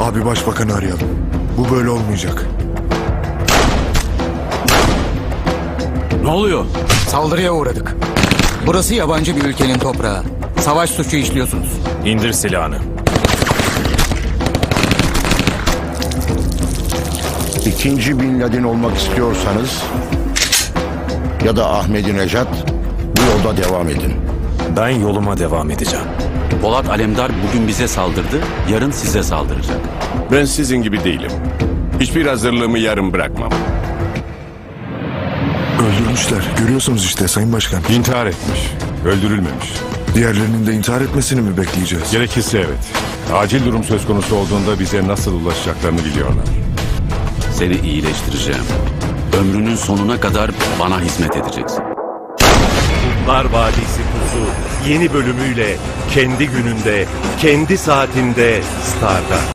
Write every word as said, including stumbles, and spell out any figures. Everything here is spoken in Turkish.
Abi başbakanı arayalım. Bu böyle olmayacak. Ne oluyor? Saldırıya uğradık. Burası yabancı bir ülkenin toprağı. Savaş suçu işliyorsunuz. İndir silahını. İkinci Bin Laden olmak istiyorsanız ya da Ahmadinejad, bu yolda devam edin. Ben yoluma devam edeceğim. Polat Alemdar bugün bize saldırdı, yarın size saldıracak. Ben sizin gibi değilim. Hiçbir hazırlığımı yarım bırakmam. Öldürmüşler. Görüyorsunuz işte Sayın Başkan. İntihar etmiş. Öldürülmemiş. Diğerlerinin de intihar etmesini mi bekleyeceğiz? Gerekirse evet. Acil durum söz konusu olduğunda bize nasıl ulaşacaklarını biliyorlar. Seni iyileştireceğim. Ömrünün sonuna kadar bana hizmet edeceksin. Kurtlar Vadisi Pusu yeni bölümüyle kendi gününde, kendi saatinde Star'da.